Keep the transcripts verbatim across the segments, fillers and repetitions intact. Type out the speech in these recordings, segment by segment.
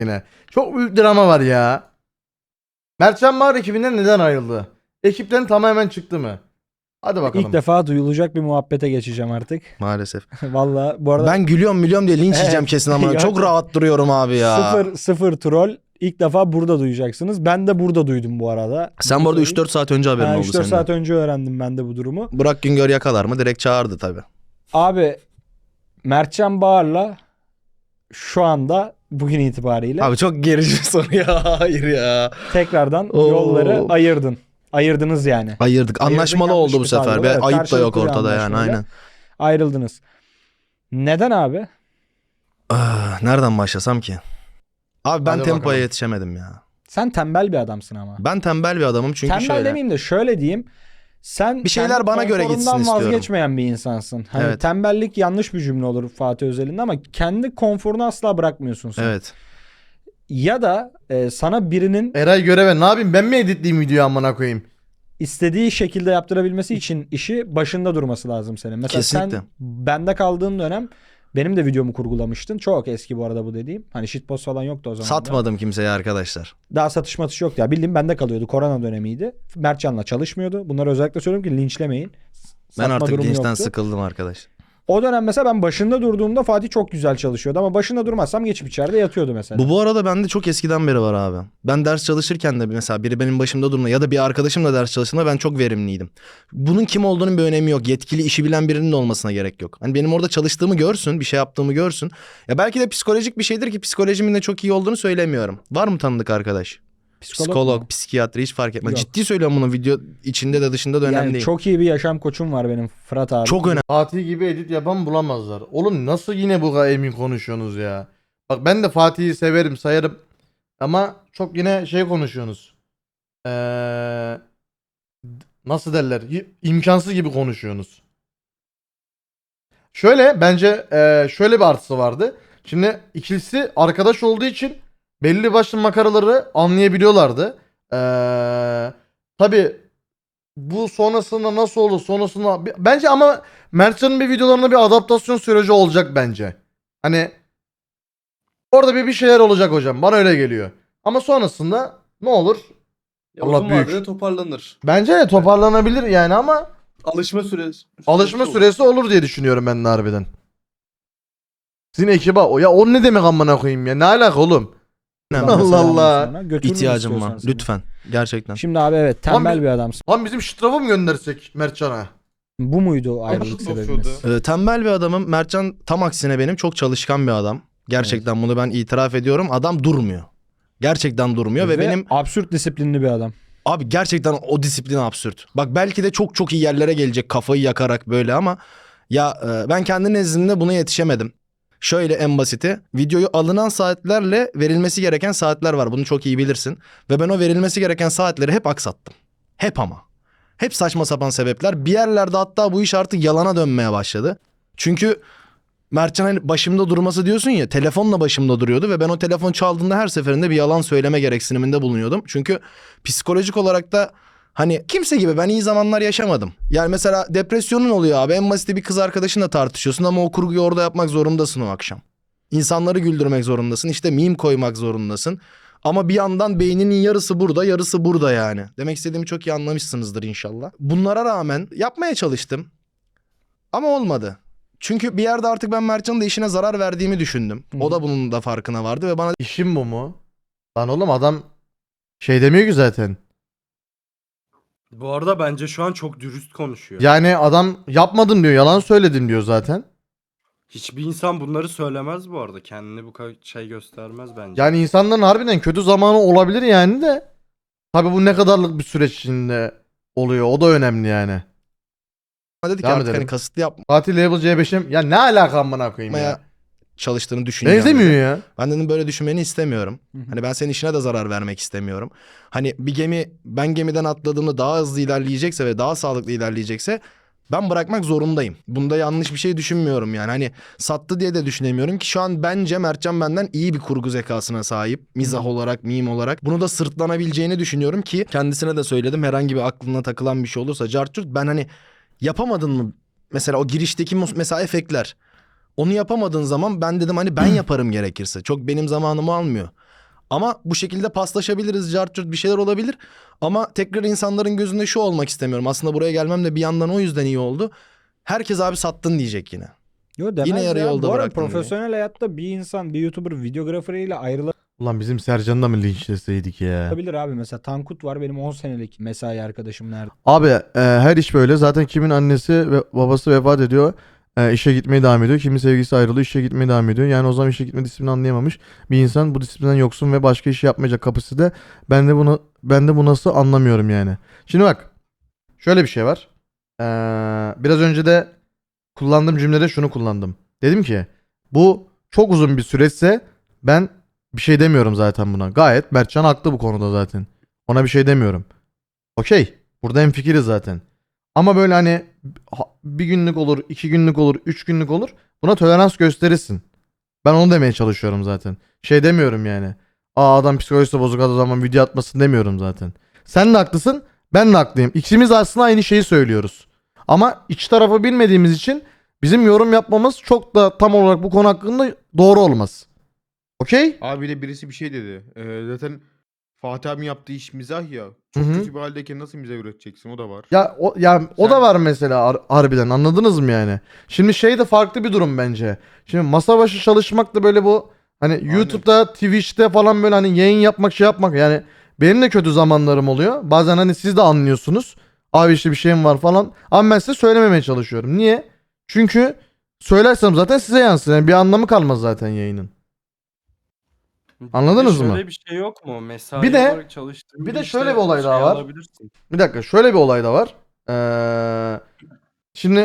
yine. Çok büyük drama var ya. Mertcan Bahar ekibinden neden ayrıldı? Ekipten tamamen çıktı mı? Hadi bakalım. İlk defa duyulacak bir muhabbete geçeceğim artık. Maalesef. Valla bu arada Ben gülüyorum milyon diye linç yiyeceğim Evet. kesin ama Ya- çok rahat duruyorum abi ya. sıfır sıfır troll ilk defa burada duyacaksınız. Ben de burada duydum bu arada. Sen bu arada üç dört saat önce haberin Ha, oldu üç dört senin. saat önce öğrendim ben de bu durumu. Burak Güngör yakalar mı? Direkt çağırdı tabii. Abi Mertcan Bağır'la şu anda bugün itibariyle Abi çok gerici bir soru ya. Hayır ya. tekrardan Oo. yolları ayırdın. Ayırdınız yani. Ayırdık. Ayırdın Anlaşmalı yanlış oldu bu bir tabir sefer. var. Bir Evet, ayıp da yok karşılıklı bir ortada yani anlaşmayla aynen. Ayrıldınız. Neden abi? Ah, nereden başlasam ki? Abi ben Hadi tempoya bakalım. yetişemedim ya. Sen tembel bir adamsın ama. Ben tembel bir adamım çünkü Tembel şöyle. demeyeyim de şöyle diyeyim. Sen Bir şeyler kendi bana göre konforundan gitsin istiyorum. vazgeçmeyen bir insansın. Hani Evet. tembellik yanlış bir cümle olur Fatih Özel'in ama kendi konforunu asla bırakmıyorsun sen. Evet. Ya da e, sana birinin Eray göreve ne yapayım, ben mi editleyeyim videoyu amına koyayım? istediği şekilde yaptırabilmesi için işi başında durması lazım senin. Mesela Kesinlikle. sen bende kaldığın dönem benim de videomu kurgulamıştın. Çok eski bu arada bu dediğim. Hani shitpost falan yoktu o zaman. da. Satmadım kimseye arkadaşlar. Daha satış matış yoktu ya. Bildiğim bende kalıyordu. Korona dönemiydi. Mertcan'la çalışmıyordu. Bunları özellikle söylüyorum ki linçlemeyin. Ben Satma artık durumu linçten yoktu. sıkıldım arkadaş. O dönem mesela ben başında durduğumda Fatih çok güzel çalışıyordu ama başında durmazsam geçip içeride yatıyordu mesela. Bu bu arada bende çok eskiden beri var abi. Ben ders çalışırken de mesela biri benim başımda durma ya da bir arkadaşım da ders çalıştığında ben çok verimliydim. Bunun kim olduğunun bir önemi yok. Yetkili işi bilen birinin de olmasına gerek yok. Hani benim orada çalıştığımı görsün, bir şey yaptığımı görsün. Ya belki de psikolojik bir şeydir ki psikolojimin de çok iyi olduğunu söylemiyorum. Var mı tanıdık arkadaş? Psikolog Psikolog, mu? psikiyatri hiç fark etmez. Yok. Ciddi söylüyorum bunu, video içinde de dışında da önemli Yani değil. çok iyi bir yaşam koçum var benim Fırat abi. Çok önemli. Fatih gibi edit yapan bulamazlar. Oğlum nasıl yine bu kadar emin konuşuyorsunuz ya? Bak ben de Fatih'i severim, sayarım. Ama çok yine şey konuşuyorsunuz. Ee, nasıl derler? Y- İmkansız gibi konuşuyorsunuz. Şöyle bence ee, şöyle bir artısı vardı. Şimdi ikilisi arkadaş olduğu için belli başlı makaraları anlayabiliyorlardı. Ee, tabii bu sonrasında nasıl olur sonrasında bence ama Mertcan'ın bir videolarında bir adaptasyon süreci olacak bence. Hani orada bir bir şeyler olacak hocam, bana öyle geliyor. Ama sonrasında ne olur? Ya Allah uzun büyük. vadede toparlanır. Bence de toparlanabilir yani ama Alışma süresi. alışma olur. süresi olur diye düşünüyorum ben de harbiden. Sizin ekibe o ya o ne demek amına koyayım ya, ne alaka oğlum? Buradan Allah mesela Allah. sonra götürürüm İhtiyacım var. istiyorsan seni. Lütfen. Gerçekten. Şimdi abi evet tembel Abi- bir adamsın. Lan bizim şıtrafı mı göndersek Mertcan'a? Bu muydu ayrılık Nasıl sebebimiz? basıyordu? Ee, tembel bir adamım. Mertcan tam aksine benim çok çalışkan bir adam. Gerçekten bunu ben itiraf ediyorum. Adam durmuyor. Gerçekten durmuyor ve, Ve benim absürt disiplinli bir adam. abi gerçekten o disiplin absürt. Bak belki de çok çok iyi yerlere gelecek kafayı yakarak böyle ama ya e, ben kendi nezdimde buna yetişemedim. Şöyle en basiti, videoyu alınan saatlerle verilmesi gereken saatler var. Bunu çok iyi bilirsin. Ve ben o verilmesi gereken saatleri hep aksattım. Hep ama. Hep saçma sapan sebepler. Bir yerlerde hatta bu iş artık yalana dönmeye başladı. Çünkü Mertcan hani başımda durması diyorsun ya, telefonla başımda duruyordu ve ben o telefon çaldığında her seferinde bir yalan söyleme gereksiniminde bulunuyordum. Çünkü psikolojik olarak da hani kimse gibi ben iyi zamanlar yaşamadım. Yani mesela depresyonun oluyor abi, en basit bir kız arkadaşınla tartışıyorsun ama o kurguyu orada yapmak zorundasın o akşam. İnsanları güldürmek zorundasın, işte meme koymak zorundasın. Ama bir yandan beyninin yarısı burada, yarısı burada yani. Demek istediğimi çok iyi anlamışsınızdır inşallah. Bunlara rağmen yapmaya çalıştım. Ama olmadı. Çünkü bir yerde artık ben Mertcan'ın da işine zarar verdiğimi düşündüm. Hı. O da bunun da farkına vardı ve bana İşim bu mu? Lan oğlum adam şey demiyor ki zaten. Bu arada bence şu an çok dürüst konuşuyor. Yani adam yapmadım diyor, yalan söyledim diyor zaten. Hiçbir insan bunları söylemez bu arada. Kendini bu kadar şey göstermez bence. Yani insanların harbiden kötü zamanı olabilir yani de. Tabi bu ne kadarlık bir süreç içinde oluyor, o da önemli yani. dedi ki Devam artık edelim. hani kasıtlı yapmaya Fatih Level C beş'im ya ne alaka amına koyayım ya. çalıştığını düşünüyorum. Benzemiyor ya. Ben dedim böyle düşünmeni istemiyorum. Hı hı. Hani ben senin işine de zarar vermek istemiyorum. Hani bir gemi ben gemiden atladığımda daha hızlı ilerleyecekse ve daha sağlıklı ilerleyecekse ben bırakmak zorundayım. Bunda yanlış bir şey düşünmüyorum yani. Hani sattı diye de düşünemiyorum ki şu an bence Mertcan benden iyi bir kurgu zekasına sahip. Mizah olarak, meme olarak. Bunu da sırtlanabileceğini düşünüyorum ki kendisine de söyledim. Herhangi bir aklına takılan bir şey olursa cartçurt ben hani yapamadın mı? Mesela o girişteki mus- mesela efektler. Onu yapamadığın zaman ben dedim hani ben yaparım gerekirse. Çok benim zamanımı almıyor. Ama bu şekilde paslaşabiliriz, cart curt bir şeyler olabilir. Ama tekrar insanların gözünde şu olmak istemiyorum. Aslında buraya gelmem de bir yandan o yüzden iyi oldu. Herkes abi sattın diyecek yine. Yo demez Yine yarı ya. yolda Bu arada bıraktın diye. profesyonel hayatta bir insan bir YouTuber videograferiyle ayrılabilir Ulan bizim Sercan'ı da mı linçleseydik ya? abi. Mesela Tankut var, benim on senelik mesai arkadaşım nerede? Abi e, her iş böyle. Zaten kimin annesi ve babası vefat ediyor. E, işe gitmeye devam ediyor. Kimin sevgilisi ayrılıyor. işe gitmeye devam ediyor. Yani o zaman işe gitme disiplini anlayamamış bir insan bu disiplinden yoksun ve başka iş yapmayacak kapısı da. Ben de bunu ben de bu nasıl anlamıyorum yani. Şimdi bak. Şöyle bir şey var. E, biraz önce de kullandığım cümlede şunu kullandım. Dedim ki bu çok uzun bir süreçse ben bir şey demiyorum zaten buna. Gayet Mertcan haklı bu konuda zaten. Ona bir şey demiyorum. Okey. Burada hemfikiriz zaten. Ama böyle hani ha- bir günlük olur, iki günlük olur, üç günlük olur. Buna tolerans gösterirsin. Ben onu demeye çalışıyorum zaten. Şey demiyorum yani. Aa adam psikolojisi bozuk o zaman video atmasın demiyorum zaten. Sen de haklısın, ben de haklıyım. İkimiz aslında aynı şeyi söylüyoruz. Ama iç tarafı bilmediğimiz için bizim yorum yapmamız çok da tam olarak bu konu hakkında doğru olmaz. Okey? Abi de birisi bir şey dedi. Ee, zaten Fatih abinin yaptığı iş mizah ya. Çok Hı hı. kötü bir haldeyken nasıl mizah üreteceksin, o da var. Ya o ya o da Sen- var mesela har- harbiden anladınız mı yani? Şimdi şey de farklı bir durum bence. Şimdi masa başı çalışmak da böyle bu hani YouTube'da, Twitch'te falan böyle hani yayın yapmak, şey yapmak yani benim de kötü zamanlarım oluyor. Bazen hani siz de anlıyorsunuz. Abi işte bir şeyim var falan. Ama ben size söylememeye çalışıyorum. Niye? Çünkü söylersem zaten size yansır. Yani bir anlamı kalmaz zaten yayının. Anladınız Bir de mı? Şöyle bir şey yok mu? Mesai Bir de- olarak çalıştığın bir de işte şöyle bir olay daha şey var. alabilirsin. Bir dakika şöyle bir olay da var. Ee, şimdi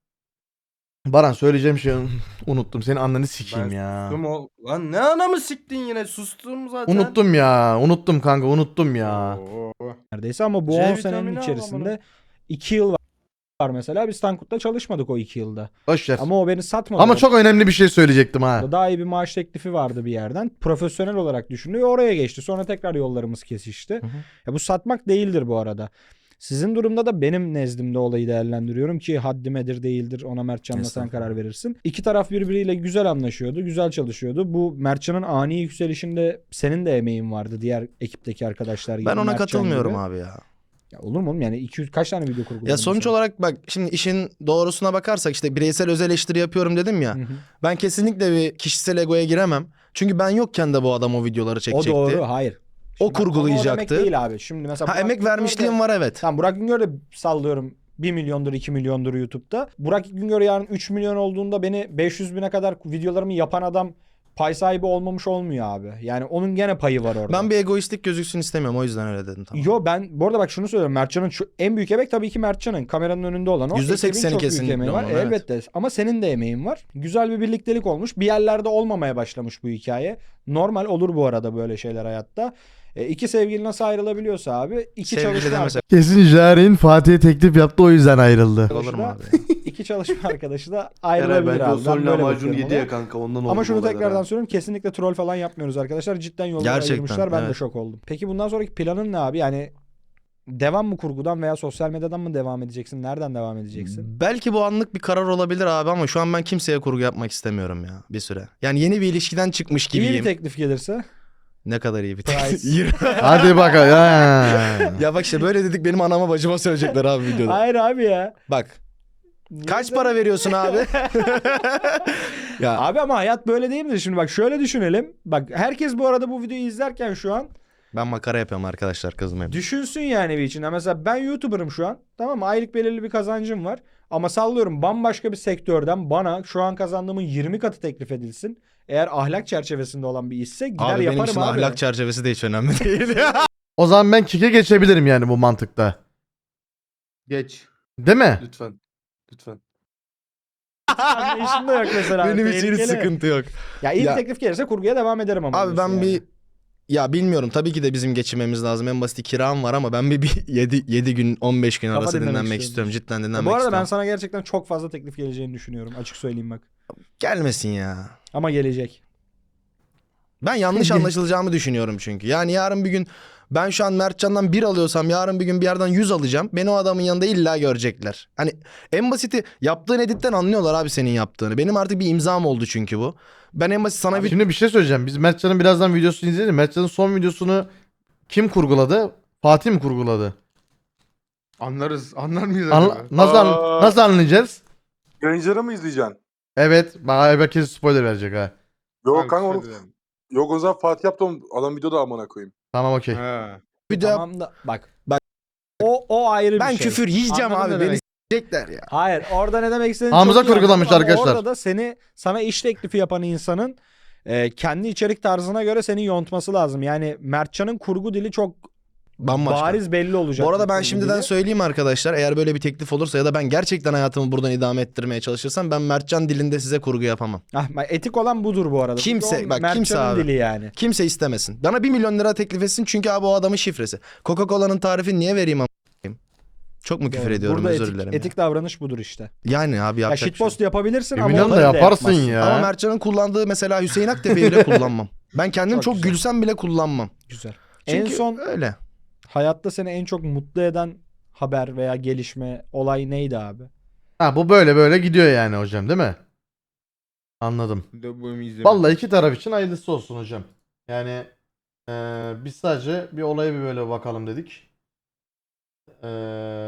Baran söyleyeceğim şeyi unuttum. Senin anneni sikeyim Ben ya. sustum o. Lan ne anamı siktin yine? Sustum zaten. Unuttum ya. Unuttum kanka unuttum ya. Oo. Neredeyse ama bu C on vitamini senenin al içerisinde iki yıl var mesela. Biz Tankut'la çalışmadık o iki yılda. Boş ver. Ama, Ama o beni satmadı. Ama çok önemli bir şey söyleyecektim ha. Daha iyi bir maaş teklifi vardı bir yerden. Profesyonel olarak düşünüyor. Oraya geçti. Sonra tekrar yollarımız kesişti. Hı hı. Ya bu satmak değildir bu arada. Sizin durumda da benim nezdimde olayı değerlendiriyorum ki haddimedir değildir ona Mertcan'la sen Estağfurullah. karar verirsin. İki taraf birbiriyle güzel anlaşıyordu, güzel çalışıyordu. Bu Mertcan'ın ani yükselişinde senin de emeğin vardı diğer ekipteki arkadaşlar gibi. Ben ona Mertcan katılmıyorum gibi. abi ya. Ya olur mu oğlum yani iki yüz kaç tane video kurguladın? Ya sonuç sen? olarak bak şimdi işin doğrusuna bakarsak işte bireysel öz eleştiri yapıyorum dedim ya. Hı hı. Ben kesinlikle bir kişisel egoya giremem. Çünkü ben yokken de bu adam o videoları O çekecekti. doğru, hayır. O Şimdi bak, konu kurgulayacaktı. O demek değil abi. Şimdi mesela Ha Burak emek Güngör de- vermişliğim var evet. Tamam Burak Güngör de sallıyorum bir milyondur iki milyondur YouTube'da. Burak Güngör yarın üç milyon olduğunda beni beş yüz bine kadar videolarımı yapan adam pay sahibi olmamış olmuyor abi. Yani onun gene payı var orada. Ben bir egoistlik gözüksün istemiyorum o yüzden öyle dedim tamam. Yo ben bu arada bak şunu söylüyorum. Mertcan'ın şu, en büyük emek tabii ki Mertcan'ın. Kameranın önünde olan o. yüzde Ekibin sekseni çok büyük kesinlikle emeği var. onun, evet. Elbette. Ama senin de emeğin var. Güzel bir birliktelik olmuş. Bir yerlerde olmamaya başlamış bu hikaye. Normal olur bu arada böyle şeyler hayatta. E, iki sevgili nasıl ayrılabiliyorsa abi. iki Sevgili çalışma demesek Kesin Jaren Fatih'e teklif yaptı o yüzden ayrıldı. olur mu da- abi? ya? iki çalışma arkadaşı da Eray ayrılabilir bence abi. o Ben son böyle lahmacun bakıyorum yedi ona. ya kanka ondan oldu Ama şunu bu olaylar tekrardan ha. söylüyorum. Kesinlikle troll falan yapmıyoruz arkadaşlar. Cidden yolları Gerçekten, ayırmışlar. Ben de evet. şok oldum. Peki bundan sonraki planın ne abi? Yani devam mı kurgudan veya sosyal medyadan mı devam edeceksin? Nereden devam edeceksin? Belki bu anlık bir karar olabilir abi ama şu an ben kimseye kurgu yapmak istemiyorum ya bir süre. Yani yeni bir ilişkiden çıkmış İyi gibiyim. bir teklif gelirse. Ne kadar iyi bir Price. teklif. Hadi bakalım. Ha. Ya bak işte böyle dedik benim anama bacıma söyleyecekler abi videoda. Hayır abi ya. Bak Niye kaç sen- para veriyorsun abi? ya Abi ama hayat böyle değil mi? Şimdi bak şöyle düşünelim. Bak herkes bu arada bu videoyu izlerken şu an ben makara yapıyorum arkadaşlar kızmayın. düşünsün yani bir içinde. Mesela ben YouTuber'ım şu an. Tamam mı? Aylık belirli bir kazancım var. Ama sallıyorum bambaşka bir sektörden bana şu an kazandığımın yirmi katı teklif edilsin. Eğer ahlak çerçevesinde olan bir işse gider Abi benim yaparım için abi. ahlak çerçevesi de hiç önemli değil. O zaman ben kike geçebilirim yani bu mantıkta. Geç. Değil mi? Lütfen. Lütfen. Anlayışım da yok mesela. benim için hiç Tehlikeli. sıkıntı yok. Ya iyi Ya- bir teklif gelirse kurguya devam ederim ama. Abi ben diyorsun yani. bir ya bilmiyorum tabii ki de bizim geçinmemiz lazım. En basit kiram var ama ben bir, bir yedi gün on beş gün Kafa arası dinlemek dinlenmek istiyorum. istiyorum. Cidden Ya dinlenmek bu arada istiyorum. ben sana gerçekten çok fazla teklif geleceğini düşünüyorum. Açık söyleyeyim bak. Gelmesin ya. Ama gelecek. Ben yanlış anlaşılacağımı düşünüyorum çünkü. Yani yarın bir gün Ben şu an Mertcan'dan bir alıyorsam yarın bir gün bir yerden yüz alacağım. Beni o adamın yanında illa görecekler. Hani en basiti yaptığın editten anlıyorlar abi senin yaptığını. Benim artık bir imzam oldu çünkü bu. Ben en basit sana bir... Şimdi bir şey söyleyeceğim. Biz Mertcan'ın birazdan videosunu izleyelim. Mertcan'ın son videosunu kim kurguladı? Fatih mi kurguladı? Anlarız. Anlar mıyız Anla- acaba? nasıl, an- Aa. nasıl anlayacağız? Yayıncıları mı izleyeceksin? Evet. Bana herkes spoiler verecek ha. Yok Hangisi kanka onu, dedim? yok o zaman Fatih yaptı onu. Adam videoda amına koyayım. Tamam okey. Ha. Bir de Tamam da bak. Bak. O o ayrı bir ben şey. küfür yiyeceğim Anladın abi. ne Beni demek? s**ecekler ya. Hayır, orada ne demek istediğini Hamza çok iyi kurgulamış anladım ama arkadaşlar. Orada da seni sana iş teklifi yapan insanın e, kendi içerik tarzına göre seni yontması lazım. Yani Mertcan'ın kurgu dili çok Bambaşka. bariz belli olacak. Bu arada bir ben kurgu şimdiden dili. söyleyeyim arkadaşlar. Eğer böyle bir teklif olursa ya da ben gerçekten hayatımı buradan idame ettirmeye çalışırsam ben Mertcan dilinde size kurgu yapamam. Ah, bak, etik olan budur bu arada. Çünkü Kimse- o bak, Mertcan'ın kimse abi. dili yani. Kimse istemesin. Bana bir milyon lira teklif etsin çünkü abi o adamın şifresi. Coca-Cola'nın tarifini niye vereyim a**ayım? Çok mu küfür Doğru. ediyorum Burada özür etik, dilerim. ya. etik davranış budur işte. Yani abi Ya yapacak bir şey yok. shitpost yapabilirsin Bir ama milyon da onları yaparsın yapmazsın. ya. Ama Mertcan'ın kullandığı mesela Hüseyin Aktepe'yi bile kullanmam. Ben kendim Çok çok, güzel. gülsem bile kullanmam. Güzel. Çünkü en son öyle. hayatta seni en çok mutlu eden haber veya gelişme, olay neydi abi? Ha bu böyle böyle gidiyor yani hocam değil mi? Anladım. Bir de bu bölümü izlemedim. Vallahi iki taraf için hayırlısı olsun hocam. Yani eee, biz sadece bir olaya bir böyle bakalım dedik. Eee